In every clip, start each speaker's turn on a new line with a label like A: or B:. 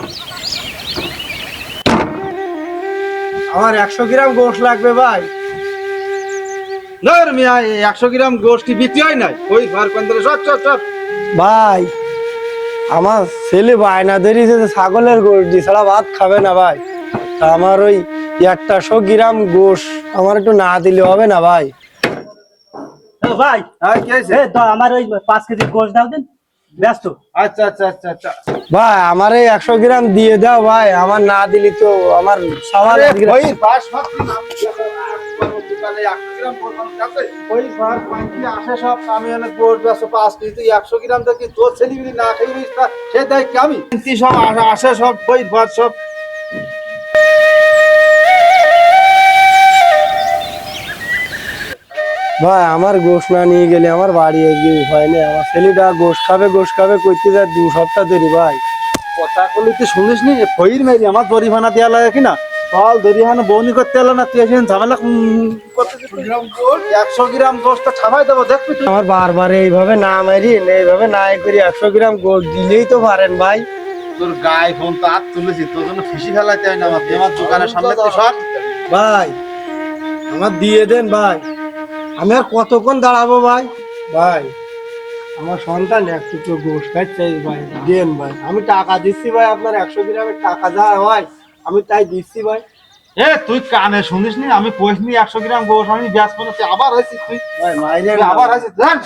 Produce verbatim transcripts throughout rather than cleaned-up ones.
A: আমার একশো গ্রাম গোশ লাগবে ভাই।
B: না মিয়া, একশো গ্রাম গোষ্ঠী বিক্রি হয় নাই। ওই ঘর কন্দরে সব সব সব
A: ভাই আমার ছেলে বায়না ধরিয়েছে যে ছাগলের গোশ দিয়ে ছাড়া ভাত খাবে না ভাই। তা আমার ওই একটা শো গ্রাম গোশ আমার একটু না দিলে হবে না ভাই?
C: ভাই
B: হ্যাঁ, কি হয়েছে?
C: এই তো আমার ওই পাঁচ কেজি গোশ দাও দিন, ব্যস্ত।
B: আচ্ছা আচ্ছা আচ্ছা আচ্ছা
A: ভাই আমার এই একশো গ্রাম দিয়ে দাও ভাই, আমার না দিলি তো আমার সবার
B: ওই পাঁচ সাত দিন আমি দোকানে একশো গ্রাম গোশ আমার কাছে। ওই ঘর পাঁচটি আসে সব, আমি অনেক গোশ বেচো পাঁচ কেজি, তুই একশো গ্রাম দেখি তোর ছেলেগুলি না খেয়ে সে দেয় কি আমি তুই সব আসে- আসে সব ওই ঘর সব।
A: ভাই আমার গোশ না নিয়ে গেলে আমার বাড়ি এগিয়ে হয় না। আমার ছেলেটা গোশ খাবে গোশ খাবে করতে যায় দু সপ্তাহ দেরি ভাই।
B: কথা বলি তুই শুনিস নি? ফইর মেরি আমার দরিহানা দেওয়া লাগে কিনা, ফল দরিহানা বৌনি করতে এলো না, তুই এসে ঝামেলা উম, করতেছিস। একশো গ্রাম গোশটা ছাপাই দেবো দেখবি তুই।
A: আমার বারবার এইভাবে না মারি এইভাবে না এ করি একশো গ্রাম গোশ দিলেই তো পারেন ভাই।
B: তোর গায়ে ফোন তো হাত তুলেছি, তোর জন্য ফিসি ফেলাইতে হয় না আমার আমার দোকানের সামনে তুই সর।
A: ভাই আমার দিয়ে দেন ভাই, আমি আর কতক্ষণ দাঁড়াবো ভাই? ভাই আমার সন্তান একটু তো গোশ খাচ্ছে ভাই, দেন ভাই। আমি টাকা দিচ্ছি ভাই, আপনার একশো গ্রামের টাকা যা হয় আমি তাই দিচ্ছি ভাই।
B: এ তুই কানে শুনিস নি? আমি কইসনি একশো গ্রাম গোশ আমি ব্যাস করে তুই আবার হয়েছিস, তুই
A: ভাই মাইরে
B: তুই আবার হয়েছিস। জান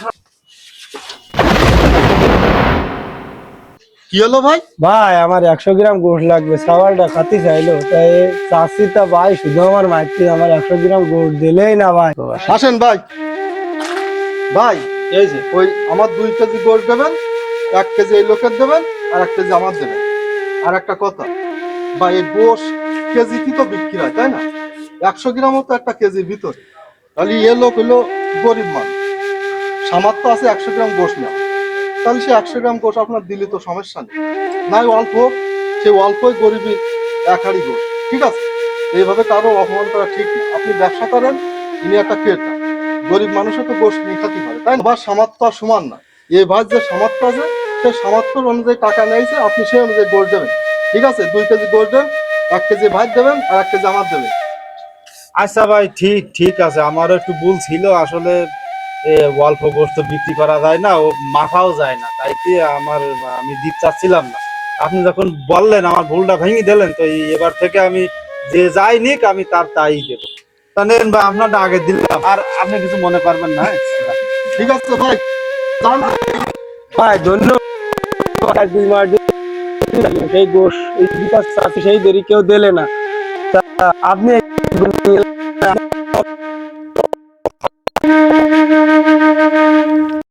B: কি হলো ভাই?
A: ভাই আমার একশো গ্রাম গোশ লাগবে, সাওয়ালটা খাতি চাইলো তাই চাষিটা ভাই শুধু আমার মাইতে আমার একশো গ্রাম গোশ দিলেই না ভাই।
D: আসেন ভাই। ভাই এই যে ওই আমার দুই কেজি গোশ দেবেন, এক কেজি এই লোকের দেবেন, আর এক কেজি আমার দেবেন। আর একটা কথা ভাই, এই গোশ কেজি কি তো বিক্রি হয় তাই না? একশো গ্রামও তো একটা কেজির ভিতরে। তাহলে এ লোক হলো গরিব মানুষ, সামর্থ্য আছে একশো গ্রাম গোশ নেওয়া, তাহলে সে একশো গ্রাম গোশ আপনার দিলে তো সমস্যা নেই। নাই অল্প, সে অল্পই গরিবী এক হাড়ি গোশ, ঠিক আছে? এইভাবে কারো অপমান করা ঠিক না। আপনি ব্যবসা করেন, ইনি একটা ক্রেতা, গরিব মানুষও তো গোশ নিয়ে খাতে পারে তাই না? আবার সামর্থ্য আর সমান না। এ ভাই যে সামর্থ্য আছে সে সামর্থ্য অনুযায়ী টাকা নিয়েছে, আপনি সেই অনুযায়ী গোশ দেবেন, ঠিক আছে? দুই কেজি গোশ দেন, এক কেজি ভাত দেবেন, আর এক কেজি আমার দেবেন।
B: আচ্ছা ভাই, ঠিক ঠিক আছে, আমারও একটু ভুল ছিল আসলে। এ অল্প গোশত বিক্রি করা যায় না, ও মাখাও যায় না, তাই কি আমার আমি দিতে চাচ্ছিলাম না। আপনি যখন বললেন আমার ভুলটা ভেঙে দিলেন, তো এই এবার থেকে আমি যে যাই নিক আমি তার তাই দেবো। তা নেন ভাই, আপনারটা আগে দিলাম, আর আপনি কিছু মনে করবেন না।
D: ঠিক আছে ভাই, যান।
A: ভাই ধন্যবাদ। দুই মাস ধরে সেই গোশ এই বিকাশ চাষি সেই দেরি কেউ দিলে না। তা আপনি